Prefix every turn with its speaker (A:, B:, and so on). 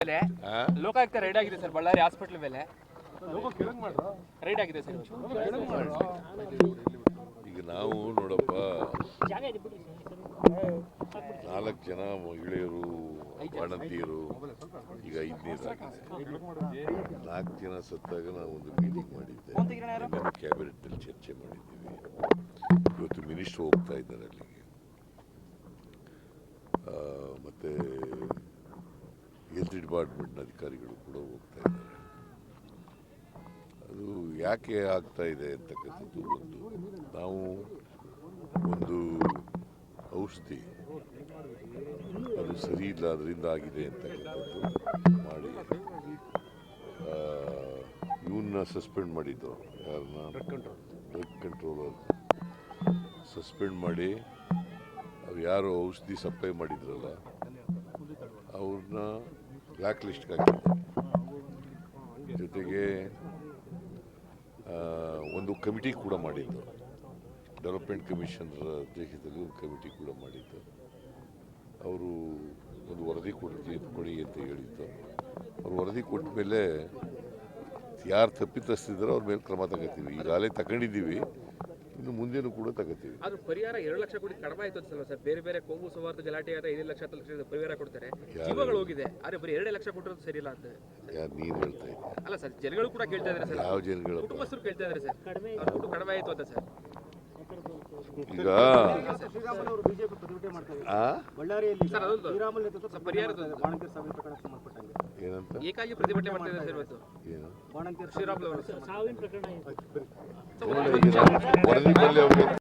A: Lokayukta raid ಆಗಿದೆ sir, Ballari hospital ಮೇಲೆ raid ಆಗಿದೆ ಸರ್.
B: ಈಗ ನಾವು ನೋಡಪ್ಪ 4 ಜನ ಮಹಿಳೆಯರು ಬಾಣಂತಿಯರು ಈಗ 5ನೇದಾಗಿದೆ. 4 ಜನ ಸತ್ತಾಗ ನಾವು ಒಂದು ಮೀಟಿಂಗ್ ಮಾಡಿದ್ದೆ, ಕ್ಯಾಬಿನೆಟ್ನಲ್ಲಿ ಚರ್ಚೆ ಮಾಡಿದ್ದೀವಿ. ಇವತ್ತು ಮಿನಿಸ್ಟರ್ ಹೋಗ್ತಾ ಇದ್ದಾರೆ ಅಲ್ಲಿಗೆ, ಮತ್ತು ಹೆಲ್ತ್ ಡಿಪಾರ್ಟ್ಮೆಂಟ್ನ ಅಧಿಕಾರಿಗಳು ಕೂಡ ಹೋಗ್ತಾ ಇದ್ದಾರೆ. ಅದು ಯಾಕೆ ಆಗ್ತಾ ಇದೆ ಅಂತಕ್ಕಂಥದ್ದು ನಾವು ಒಂದು ಔಷಧಿ ಅದು ಸರಿ ಇಲ್ಲ, ಅದರಿಂದ ಆಗಿದೆ ಅಂತಕ್ಕಂಥದ್ದು ಮಾಡಿ ಇವನ್ನ ಸಸ್ಪೆಂಡ್ ಮಾಡಿದ್ದು, ಯಾರನ್ನ ಡ್ರಗ್ ಕಂಟ್ರೋಲರ್ ಸಸ್ಪೆಂಡ್ ಮಾಡಿ ಅವ್ರು ಯಾರು ಔಷಧಿ ಸಪ್ಲೈ ಮಾಡಿದ್ರಲ್ಲ ಅವ್ರನ್ನ ಬ್ಲ್ಯಾಕ್ ಲಿಸ್ಟ್ಗೆ ಹಾಕಿದ್ದಾರೆ. ಜೊತೆಗೆ ಒಂದು ಕಮಿಟಿ ಕೂಡ ಮಾಡಿದ್ದು, ಡೆವಲಪ್ಮೆಂಟ್ ಕಮಿಷನರ್ ಅಧ್ಯಕ್ಷತೆಯಲ್ಲಿ ಒಂದು ಕಮಿಟಿ ಕೂಡ ಮಾಡಿದ್ದು. ಅವರು ಒಂದು ವರದಿ ಕೊಡಿ ಅಂತ ಹೇಳಿದ್ದು. ಅವ್ರು ವರದಿ ಕೊಟ್ಟ ಮೇಲೆ ಯಾರು ತಪ್ಪಿತಸ್ಥಿದ್ದಾರೋ ಅವ್ರ ಮೇಲೆ ಕ್ರಮ ತಗೋತೀವಿ. ಈಗಾಗಲೇ ತಗೊಂಡಿದ್ದೀವಿ, ಇನ್ನು ಮುಂದೇನು ಕೂಡ ತಗೋತೀವಿ.
A: ಅದು ಪರಿಹಾರ 2 ಲಕ್ಷ ಕೋಟಿ ಕಡಿಮೆ ಆಯ್ತು ಸರ್. ಬೇರೆ ಬೇರೆ ಕೋಮು ಸೌಹಾರ್ದ ಗಲಾಟೆ ಆದ 5 ಲಕ್ಷ 10 ಲಕ್ಷ ಪರಿಹಾರ ಕೊಡ್ತಾರೆ, ಜೀವಗಳು ಹೋಗಿದೆ. ಆದರೆ ಬರೀ 2 ಲಕ್ಷ ಕೊಟ್ಟಿರೋದು ಸರಿ ಇಲ್ಲ ಅಂತ
B: ಯಾರು ನೀನು ಹೇಳ್ತಾ ಇದ್ದೀವಿ?
A: ಅಲ್ಲ ಸರ್, ಜನಗಳು ಕೂಡ ಕೇಳ್ತಾ ಇದ್ದಾರೆ ಸರ್.
B: ಯಾವ ಜನಗಳು?
A: ಕುಟುಂಬಸ್ಥರು ಕೇಳ್ತಾ ಇದ್ದಾರೆ ಸರ್, ಅವ್ರ ದುಡ್ಡು ಕಡಿಮೆ ಆಯ್ತು ಅಂತ ಸರ್.
B: ಈಗ ಏನಂತ
A: ಏಕಾಗಿ ಪ್ರತಿಭಟನೆ ಮಾಡ್ತಾ ಇದ್ದಾರೆ ಸರ್ ಇವತ್ತು.
B: ಏನು
A: ಶ್ರೀರಾಮುಲು ಅವರು
B: ವರದಿ ಮೇಲೆ